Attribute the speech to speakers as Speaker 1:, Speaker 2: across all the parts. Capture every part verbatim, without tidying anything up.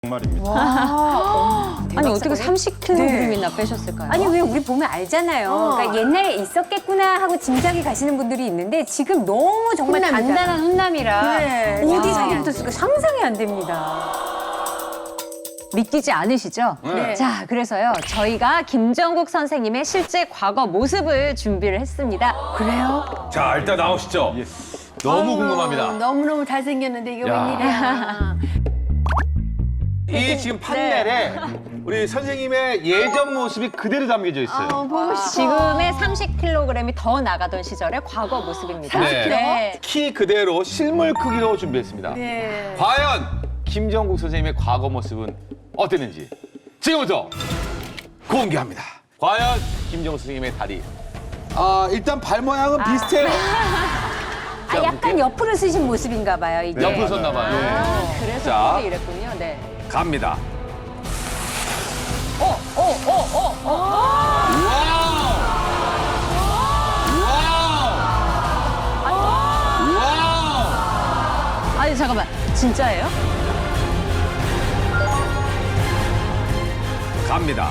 Speaker 1: 정말입니다.
Speaker 2: 아니 어떻게 삼십 킬로그램이나 네. 빼셨을까요?
Speaker 3: 아니 왜 우리 보면 알잖아요.
Speaker 2: 어.
Speaker 3: 그러니까 옛날에 있었겠구나 하고 짐작이 가시는 분들이 있는데 지금 너무 정말
Speaker 2: 훈남이잖아.
Speaker 3: 단단한 훈남이라
Speaker 2: 네.
Speaker 3: 어디서부터 쓸까 상상이 안 됩니다.
Speaker 2: 믿기지 않으시죠?
Speaker 4: 네.
Speaker 2: 자, 그래서요. 저희가 김정국 선생님의 실제 과거 모습을 준비를 했습니다.
Speaker 3: 그래요?
Speaker 4: 자, 일단 나오시죠. 너무 궁금합니다.
Speaker 5: 너무너무 잘생겼는데 이거
Speaker 4: 야.
Speaker 5: 웬일이야.
Speaker 4: 이 지금 판넬에 우리 선생님의 예전 모습이 그대로 담겨져 있어요.
Speaker 5: 어, 보고 싶어.
Speaker 2: 지금의 삼십 킬로그램이 더 나가던 시절의 과거 모습입니다.
Speaker 4: 네.
Speaker 2: 네.
Speaker 4: 키 그대로 실물 크기로 준비했습니다.
Speaker 5: 네.
Speaker 4: 과연 김정국 선생님의 과거 모습은 어땠는지 지금부터 공개합니다. 과연 김정국 선생님의 다리. 아, 일단 발 모양은 비슷해요.
Speaker 3: 아, 약간 옆으로 쓰신 모습인가 봐요, 이게.
Speaker 4: 옆으로 섰나 봐요.
Speaker 2: 아, 그래서
Speaker 4: 자.
Speaker 2: 그게 이랬군요. 네.
Speaker 4: 갑니다.
Speaker 2: 어, 어, 어, 어, 어.
Speaker 4: 와우! 와우! 와우!
Speaker 2: 아니, 잠깐만. 진짜예요?
Speaker 4: 갑니다.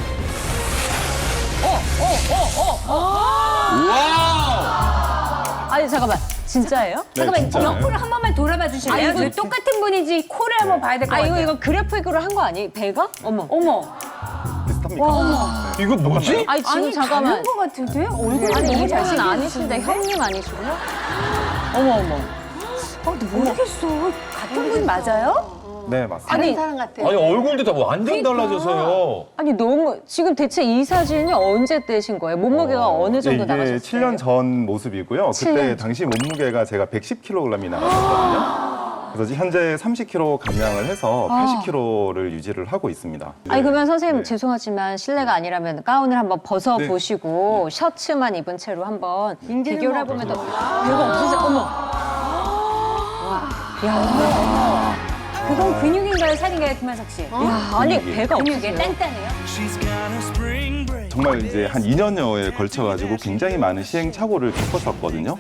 Speaker 2: 어, 어, 어, 어, 어.
Speaker 4: 와우!
Speaker 2: 아니, 잠깐만. 진짜예요?
Speaker 1: 네,
Speaker 3: 잠깐만,
Speaker 1: 진짜요.
Speaker 3: 옆으로 한 번만 돌아봐 주실래요?
Speaker 2: 아, 이거-
Speaker 3: 저 똑같은 분인지 코를 한번 봐야 될 것
Speaker 2: 아,
Speaker 3: 같아요.
Speaker 2: 이거, 이거 그래픽으로 한 거 아니에요? 배가? 어머.
Speaker 3: 어머.
Speaker 1: 비슷합니까?
Speaker 4: 이거 뭐지?
Speaker 2: 아니, 지금
Speaker 3: 아니,
Speaker 2: 잠깐만.
Speaker 3: 다른 것 같은데? 얼굴이
Speaker 2: 아니,
Speaker 3: 너무
Speaker 2: 이분은
Speaker 3: 잘생겼는데?
Speaker 2: 아니신데, 형님 아니시고요? 어머, 어머.
Speaker 3: 아, 모르겠어. 같은 분 맞아요?
Speaker 1: 네, 맞습니다.
Speaker 2: 아니,
Speaker 5: 사람 같아.
Speaker 4: 아니 얼굴도 다 완전 달라져서요.
Speaker 2: 아니, 너무. 지금 대체 이 사진이 언제 떼신 거예요? 몸무게가 어, 느 정도
Speaker 1: 이게
Speaker 2: 나가셨어요?
Speaker 1: 칠 년 전 모습이고요.
Speaker 2: 칠
Speaker 1: 그때
Speaker 2: 년
Speaker 1: 당시 몸무게가 제가 백십 킬로그램이 나갔거든요. 그래서 현재 삼십 킬로그램 감량을 해서 팔십 킬로그램를 유지를 하고 있습니다.
Speaker 2: 아니, 그러면 선생님
Speaker 1: 네.
Speaker 2: 죄송하지만 실례가 아니라면 가운을 한번 벗어보시고 셔츠만 입은 채로 한번 비교를 해보면 더 배가 없으세요? 어머. 야,
Speaker 3: 그건 근육인가요, 살인가요, 김한석 씨?
Speaker 2: 야, 아니
Speaker 1: 근육이.
Speaker 2: 배가
Speaker 3: 근육에
Speaker 2: 없으세요?
Speaker 3: 단단해요?
Speaker 1: 정말 이제 한 이 년여에 걸쳐가지고 굉장히 많은 시행착오를 겪었었거든요.